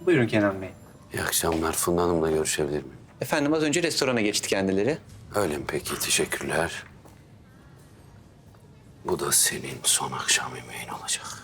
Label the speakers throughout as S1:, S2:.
S1: Buyurun Kenan Bey.
S2: İyi akşamlar. Funda Hanım'la görüşebilir miyim?
S1: Efendim az önce restorana geçti kendileri.
S2: Öyle mi peki? Teşekkürler. Bu da senin son akşam yemeğin olacak.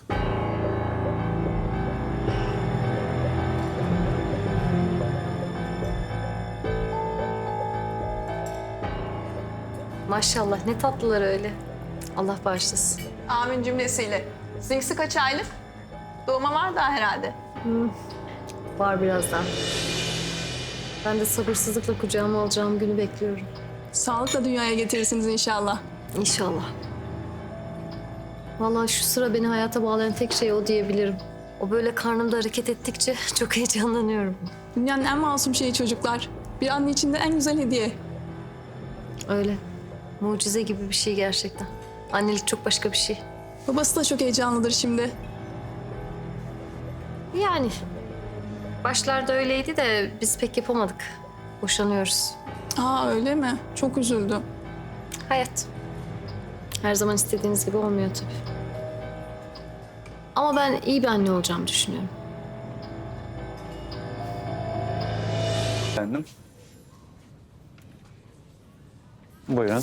S3: Maşallah ne tatlılar öyle. Allah bağışlasın.
S4: Amin cümlesiyle. Sizinkisi kaç aylık? Doğuma var daha herhalde.
S3: Var birazdan. Ben de sabırsızlıkla kucağıma alacağım günü bekliyorum.
S4: Sağlıkla dünyaya getirirsiniz inşallah.
S3: İnşallah. Vallahi şu sıra beni hayata bağlayan tek şey o diyebilirim. O böyle karnımda hareket ettikçe çok heyecanlanıyorum.
S4: Dünyanın en masum şeyi çocuklar. Bir anne için de en güzel hediye.
S3: Öyle. Mucize gibi bir şey gerçekten. Annelik çok başka bir şey.
S4: Babası da çok heyecanlıdır şimdi.
S3: Yani başlarda öyleydi de biz pek yapamadık. Boşanıyoruz.
S4: Aa öyle mi? Çok üzüldüm.
S3: Hayat. Her zaman istediğiniz gibi olmuyor tabii. Ama ben iyi bir anne olacağımı düşünüyorum.
S1: Efendim. Buyurun.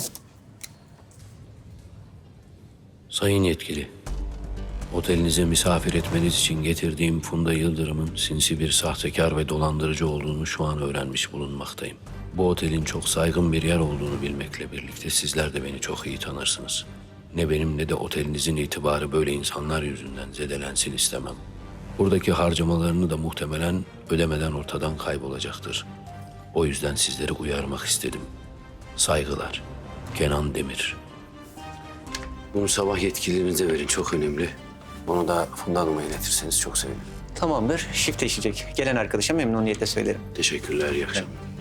S2: Sayın yetkili, otelinize misafir etmeniz için getirdiğim Funda Yıldırım'ın sinsi bir sahtekar ve dolandırıcı olduğunu şu an öğrenmiş bulunmaktayım. Bu otelin çok saygın bir yer olduğunu bilmekle birlikte sizler de beni çok iyi tanırsınız. Ne benim ne de otelinizin itibarı böyle insanlar yüzünden zedelensin istemem. Buradaki harcamalarını da muhtemelen ödemeden ortadan kaybolacaktır. O yüzden sizleri uyarmak istedim. Saygılar. Kenan Demir. Bunu sabah yetkililerinize verin, çok önemli. Onu da Funda Hanım'a iletirseniz çok sevinirim.
S1: Tamamdır. Şifte işleyecek. Gelen arkadaşa memnuniyetle söylerim.
S2: Teşekkürler, iyi akşamlar.